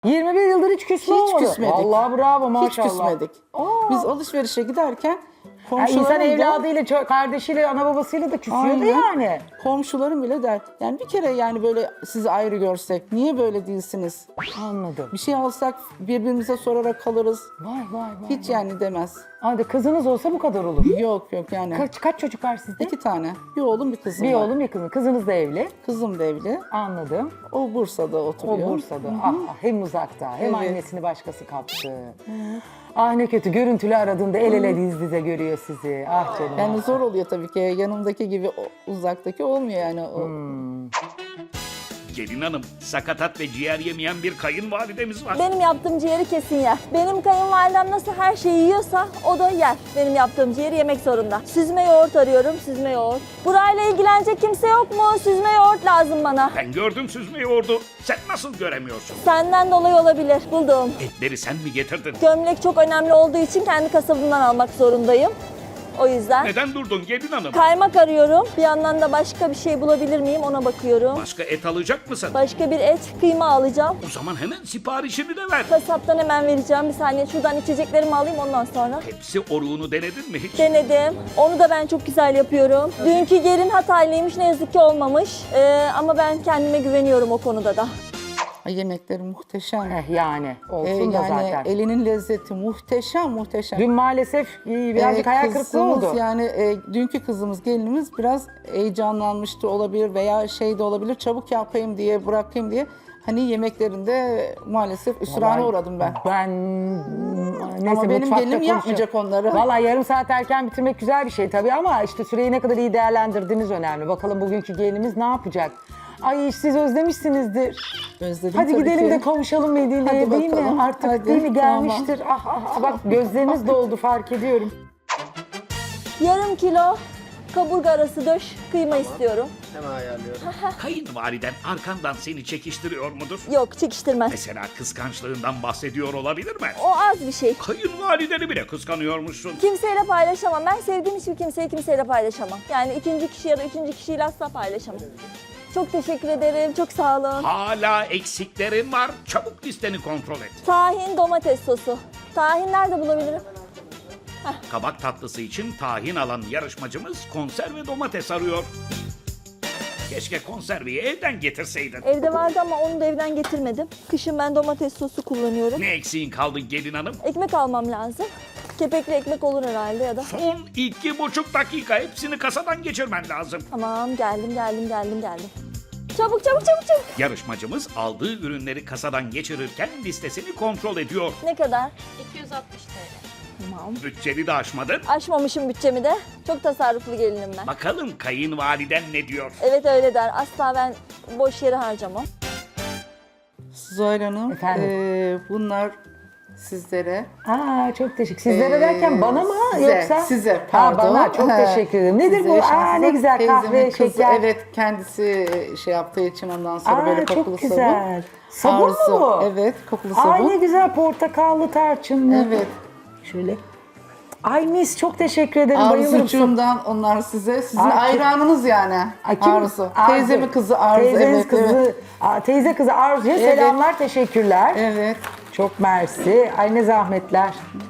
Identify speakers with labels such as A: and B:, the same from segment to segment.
A: 21 yıldır hiç küsme
B: Hiç
A: olmadı.
B: küsmedik.
A: Vallahi bravo maşallah.
B: Hiç küsmedik. Biz alışverişe giderken
A: Yani insan
B: komşularım da,
A: evladıyla, kardeşiyle, ana babasıyla da küsüyordu
B: Aynen.
A: yani.
B: komşularım bile der. Yani bir kere yani böyle sizi ayrı görsek niye böyle değilsiniz?
A: Anladım.
B: Bir şey alsak birbirimize sorarak kalırız.
A: Vay.
B: Hiç yani demez.
A: Hadi kızınız olsa bu kadar olur.
B: Yok yani.
A: Kaç çocuk var sizde?
B: 2 tane. Bir oğlum bir kızım
A: Bir
B: var.
A: oğlum bir kızım. Kızınız da evli.
B: Kızım da evli.
A: Anladım.
B: O Bursa'da
A: O
B: oturuyor.
A: Bursa'da. Ah, hem uzakta hem
B: Evet.
A: annesini başkası kaptı. Ah ne kötü, görüntülü aradığında el ele diz dize görüyor sizi. Ah canım.
B: Yani zor oluyor tabii ki. Yanımdaki gibi uzaktaki olmuyor yani.
C: Gelin hanım, sakatat ve ciğer yemeyen bir kayınvalidemiz var.
D: Benim yaptığım ciğeri kesin yer. Benim kayınvalidem nasıl her şeyi yiyorsa o da yer. Benim yaptığım ciğeri yemek zorunda. Süzme yoğurt arıyorum, süzme yoğurt. Burayla ilgilenecek kimse yok mu? Süzme yoğurt lazım bana.
C: Ben gördüm süzme yoğurdu. Sen nasıl göremiyorsun?
D: Senden dolayı olabilir. Buldum.
C: Etleri sen mi getirdin?
D: Gömlek çok önemli olduğu için kendi kasabımdan almak zorundayım. O yüzden.
C: Neden durdun gelin hanım?
D: Kaymak arıyorum. Bir yandan da başka bir şey bulabilir miyim ona bakıyorum.
C: Başka et alacak mısın?
D: Başka bir et, kıyma alacağım.
C: O zaman hemen siparişini de ver.
D: Kasaptan hemen vereceğim. Bir saniye şuradan içeceklerimi alayım ondan sonra.
C: Hepsi oruğunu denedin mi hiç?
D: Denedim. Onu da ben çok güzel yapıyorum. Dünkü gelin Hataylıymış, ne yazık ki olmamış. Ama ben kendime güveniyorum o konuda da.
B: Ay, yemekleri muhteşem.
A: Yani olsun da
B: Yani
A: zaten.
B: elinin lezzeti muhteşem.
A: Dün maalesef birazcık hayal kırıklığı
B: Kızımız
A: oldu.
B: Yani dünkü kızımız, gelinimiz biraz heyecanlanmıştı olabilir veya şey de olabilir, çabuk yapayım diye, bırakayım diye. Hani yemeklerinde maalesef üsrana uğradım ben.
A: Neyse,
B: Ama benim
A: mutfakta
B: gelinim yapmayacak onları.
A: Vallahi yarım saat erken bitirmek güzel bir şey tabii ama işte süreyi ne kadar iyi değerlendirdiğiniz önemli. Bakalım bugünkü gelinimiz ne yapacak? Ay siz özlemişsinizdir.
B: Özledim
A: Hadi
B: tabii
A: gidelim
B: ki.
A: de kavuşalım Medine'ye
B: Hadi
A: değil mi?
B: bakalım.
A: Artık
B: Hadi,
A: değil mi
B: tamam.
A: gelmiştir. Bak gözleriniz doldu fark ediyorum.
D: Yarım kilo kaburga arası döş kıyma istiyorum.
C: Kayınvaliden arkandan seni çekiştiriyor mudur?
D: Yok, çekiştirmez.
C: Mesela kıskançlığından bahsediyor olabilir mi?
D: O az bir şey.
C: Kayınvalideni bile kıskanıyormuşsun.
D: Kimseyle paylaşamam. Ben sevdiğim hiçbir kimseyi kimseyle paylaşamam. Yani ikinci kişi ya da üçüncü kişiyle asla paylaşamam. Çok teşekkür ederim. Çok sağ olun.
C: Hala eksiklerin var. Çabuk listeni kontrol et.
D: Tahin domates sosu. Tahin nerede bulabilirim?
C: Kabak tatlısı için tahin alan yarışmacımız konserve domates arıyor. Keşke konserveyi evden getirseydin.
D: Evde vardı ama onu da evden getirmedim. Kışın ben domates sosu kullanıyorum.
C: Ne eksiğin kaldı gelin hanım?
D: Ekmek almam lazım. Kepekli ekmek olur herhalde ya da.
C: Son 2,5 dakika hepsini kasadan geçirmen lazım.
D: Tamam, geldim. Çabuk.
C: Yarışmacımız aldığı ürünleri kasadan geçirirken listesini kontrol ediyor.
D: Ne kadar?
E: 260 TL.
D: Tamam.
C: Bütçeni de aşmadın.
D: Aşmamışım bütçemi de. Çok tasarruflu gelinim ben.
C: Bakalım kayınvaliden ne diyor?
D: Evet öyle der. Asla ben boş yere harcamam.
B: Zuhal Hanım,
A: Efendim?
B: bunlar sizlere.
A: Çok teşekkür. Sizlere derken bana mı
B: size,
A: yoksa?
B: size, pardon.
A: Bana çok teşekkür ederim. Nedir
B: Size
A: bu?
B: yaşansınız.
A: Ne güzel kahve,
B: Teyzemin kızı,
A: şeker.
B: Evet, kendisi şey yaptığı için ondan sonra böyle kokulu
A: çok güzel. Sabun mu
B: Arzu,
A: bu?
B: Evet, kokulu sabun.
A: Ay ne güzel, portakallı, tarçınlı.
B: Evet.
A: Şöyle. Ay mis, çok teşekkür ederim. Bayılırım.
B: Arzucuğumdan onlar size. Sizin
A: Ay,
B: hayranınız yani.
A: Kim?
B: Arzu. Teyzemin kızı Arzu.
A: Teyzeniz
B: Evet,
A: kızı.
B: evet.
A: Teyze kızı Arzu'ya
B: Evet.
A: selamlar, teşekkürler.
B: Evet.
A: Çok mersi. Ay ne zahmetler.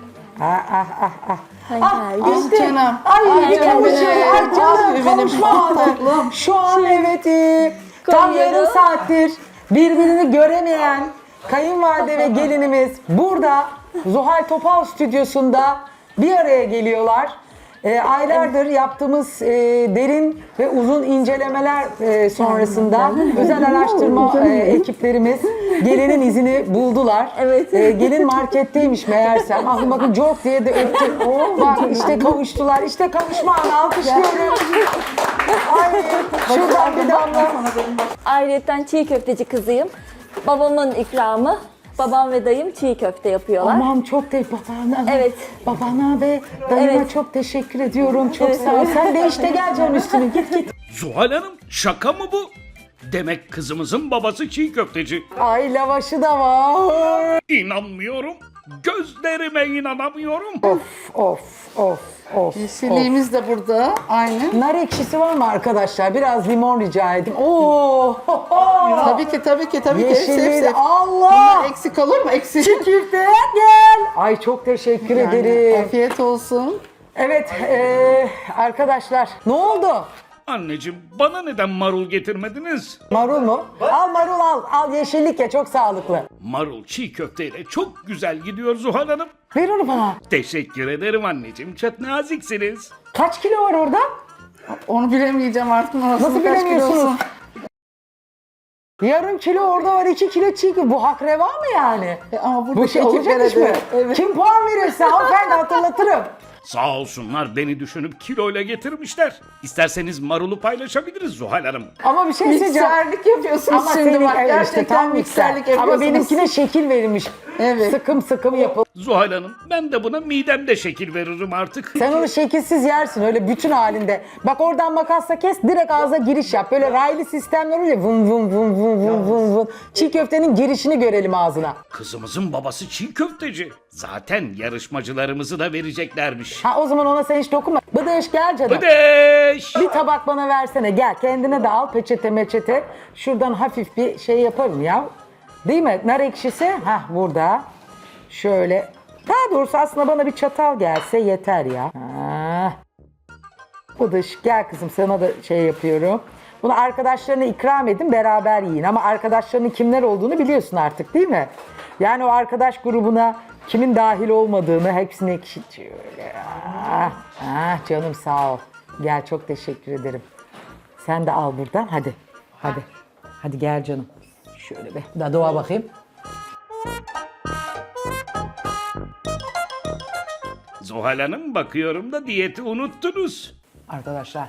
D: Ay,
A: İşte.
B: canım.
A: Ay bir
B: canım
A: kavuşuyor.
B: benim.
A: Ay canım
B: Benim
A: kavuşma anı.
B: tatlım.
A: Şu an evet tam
D: koyuyorum.
A: yarım saattir birbirini göremeyen kayınvalide ve gelinimiz burada Zuhal Topal stüdyosunda bir araya geliyorlar. Aylardır yaptığımız derin ve uzun incelemeler sonrasında özel araştırma ekiplerimiz gelinin izini buldular.
D: Evet.
A: Gelin marketteymiş meğersem. Bakın çok diye de öptüm. Bak işte kavuştular. İşte kavuşma anı, alkışlıyorum. Ay şuradan bir damla.
D: Ayrıyeten çiğ köfteci kızıyım. Babamın ikramı. Babam ve dayım çiğ köfte yapıyorlar.
A: Aman çok babana,
D: Evet.
A: babana ve dayıma
D: Evet.
A: çok teşekkür ediyorum. Çok
D: Evet,
A: sağ ol.
D: evet.
A: Sen de işte gel canım üstüne git.
C: Zuhal Hanım şaka mı bu? Demek kızımızın babası çiğ köfteci.
A: Ay lavaşı da var.
C: İnanmıyorum. Gözlerime inanamıyorum.
A: Of.
B: Yeşilliğimiz de burada. Aynı.
A: Nar ekşisi var mı arkadaşlar? Biraz limon rica edeyim. Oo.
B: Tabii ki.
A: Yeşilliği de
B: Hepsi.
A: Allah.
B: Bunlar eksik olur mu? Eksik.
A: Köfteye gel. Ay çok teşekkür ederim.
B: Afiyet olsun.
A: Evet arkadaşlar ne oldu?
C: Anneciğim bana neden marul getirmediniz?
A: Marul mu? Al marul al. Al yeşillik ya çok sağlıklı.
C: Marul çiğ köfteyle çok güzel gidiyor Zuhal Hanım.
A: Ver onu bana.
C: Teşekkür ederim anneciğim. Çok naziksiniz.
A: Kaç kilo var orada?
B: Onu bilemeyeceğim artık.
A: Nasıl bilemiyorsunuz? Yarım kilo orada var, 2 kilo çiğ köfte. Bu hak reva mı yani?
B: Ama
A: Bu
B: buradaki
A: şey olacak iş mi?
B: ekiplere de- Evet.
A: Kim puan verirse hanımefendi hatırlatırım.
C: Sağ olsunlar beni düşünüp kiloyla getirmişler. İsterseniz marulu paylaşabiliriz Zuhal Hanım.
A: Ama bir şey söyleyeceğim.
B: Mikserlik yapıyorsunuz
A: Ama
B: şimdi
A: senin
B: bak.
A: evet
B: Gerçekten
A: işte tam
B: mikserlik
A: mikser.
B: yapıyorsunuz.
A: Ama benimkine şekil verilmiş.
B: Evet.
A: Sıkım yapıl.
C: Zuhal Hanım ben de buna midemde şekil veririm artık.
A: Sen onu şekilsiz yersin öyle bütün halinde. Bak oradan makasla kes direkt ağza giriş yap. Böyle raylı sistemler oluyor ya vın vın vın vın vın vın vın. Çiğ köftenin girişini görelim ağzına.
C: Kızımızın babası çiğ köfteci. Zaten yarışmacılarımızı da vereceklermiş.
A: Ha o zaman ona sen hiç dokunma. Bıdış gel canım.
C: Bıdeş!
A: Bir tabak bana versene gel kendine de al peçete meçete. Şuradan hafif bir şey yaparım ya. Değil mi? Nar ekşisi. Hah burada. Şöyle. Daha doğrusu aslında bana bir çatal gelse yeter ya. Ha. Bıdış gel kızım sana da şey yapıyorum. Bunu arkadaşlarına ikram edin beraber yiyin. Ama arkadaşlarının kimler olduğunu biliyorsun artık değil mi? Yani o arkadaş grubuna kimin dahil olmadığını hepsini ekşit. Şöyle. Canım sağ ol. Gel çok teşekkür ederim. Sen de al buradan hadi. Hadi gel canım. Şöyle bir dadığa bakayım.
C: Zuhal Hanım bakıyorum da diyeti unuttunuz.
A: Arkadaşlar.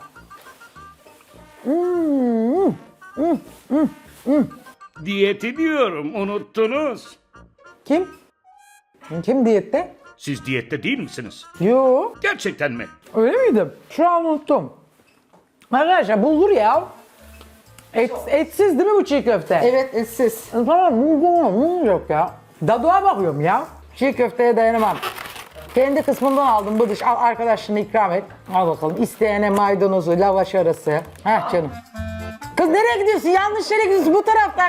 C: Diyeti diyorum unuttunuz.
A: Kim? Kim diyette?
C: Siz diyette değil misiniz?
A: Yo.
C: Gerçekten mi?
A: Öyle miydim? Şu an unuttum. Arkadaşlar bulgur ya. Etsiz değil mi bu çiğ köfte?
B: Evet, etsiz.
A: Tamam bulgur yok ya. Dadığa bakıyorum ya. Çiğ köfteye dayanamam. Kendi kısmından aldım bıdış. Al arkadaşına ikram et. Al bakalım. İsteyene maydanozu, lavaş arası. Heh canım. Kız nereye gidiyorsun? Yanlış yere gidiyorsun. Bu taraftan.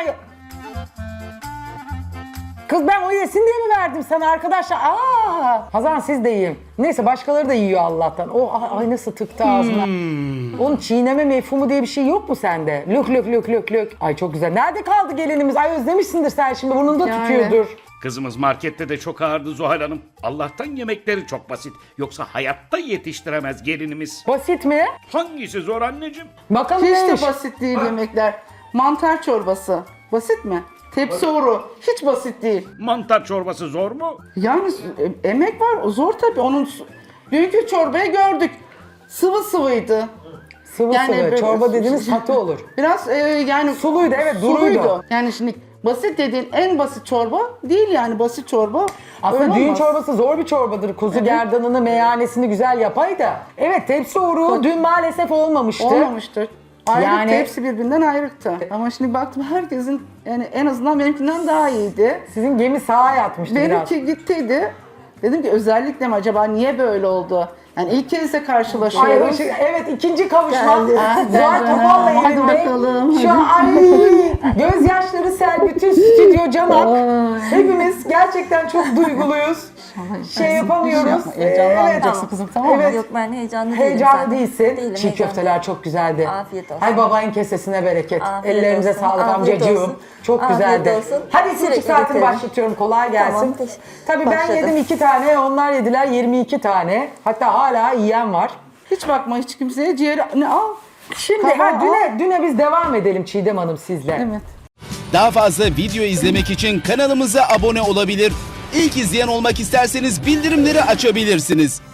A: Kız ben o yesin diye mi verdim sana arkadaşlar? Hazan siz de yiyin. Neyse başkaları da yiyor Allah'tan. Ay nasıl tıktı ağzına. Onun çiğneme mefhumu diye bir şey yok mu sende? Lök. Ay çok güzel. Nerede kaldı gelinimiz? Ay özlemişsindir sen şimdi. Burnunda
B: Yani.
A: tutuyordur.
C: Kızımız markette de çok ağırdı Zuhal Hanım. Allah'tan yemekleri çok basit. Yoksa hayatta yetiştiremez gelinimiz.
A: Basit mi?
C: Hangisi zor anneciğim?
A: Bakalım
B: Hiç
A: neymiş?
B: de basit değil yemekler. Mantar çorbası. Basit mi? Tepsi oru. Hiç basit değil.
C: Mantar çorbası zor mu?
B: Yani emek var. O zor tabii. Dünkü çorbayı gördük. Sıvıydı.
A: Sıvı
B: Yani
A: sıvı.
B: böyle-
A: Çorba dediğiniz katı olur.
B: Biraz yani
A: Suluydu, evet, duruydu.
B: Yani şimdi basit dediğin en basit çorba değil yani basit çorba.
A: Aslında
B: öyle
A: düğün
B: olmaz.
A: çorbası zor bir çorbadır. Kuzu gerdanını, meyanesini güzel yapaydı. Evet tepsi oruğu dün maalesef olmamıştı.
B: Olmamıştır. Ayrık
A: Yani-
B: hepsi birbirinden ayrıktı. Ama şimdi baktım herkesin yani en azından benimkinden daha iyiydi.
A: Sizin gemi sağa yatmıştı biraz.
B: Benimki gittiydi. Dedim ki özellikle mi acaba niye böyle oldu? Yani ilk kez de
A: Ay,
B: karşılaşıyoruz.
A: evet ikinci kavuşma.
B: Geldi.
A: Zuhal Topal'la
B: Hadi
A: evinde.
B: bakalım.
A: Şu an ay gözyaşları sel bütün stüdyo canak. Hepimiz gerçekten çok duyguluyuz. Şey yapamıyoruz.
B: Heyecanlanmayacaksın kızım, tamam mı?
A: Evet.
D: Yok ben heyecanlı değilim.
A: Heyecanlı
D: zaten.
A: değilsin.
D: Değilim,
A: Çiğ
D: heyecanlı.
A: köfteler çok güzeldi.
D: Afiyet olsun.
A: Hay babayın kesesine bereket.
D: Afiyet
A: Ellerimize
D: olsun,
A: sağlık
D: afiyet
A: amcacığım.
D: olsun.
A: Çok
D: Afiyet
A: güzeldi.
D: olsun.
A: Hadi ikinci
D: Sürekli
A: saatini
D: beklerim.
A: başlatıyorum. Kolay gelsin.
D: Tamam,
A: Tabii ben
D: başladım.
A: yedim 2 tane, onlar yediler 22 tane. Hatta hala yiyen var.
B: Hiç bakma hiç kimseye ciğeri al.
A: Şimdi düne biz devam edelim Çiğdem Hanım sizle.
B: Evet.
E: Daha fazla video izlemek için kanalımıza abone olabilir. İlk izleyen olmak isterseniz bildirimleri açabilirsiniz.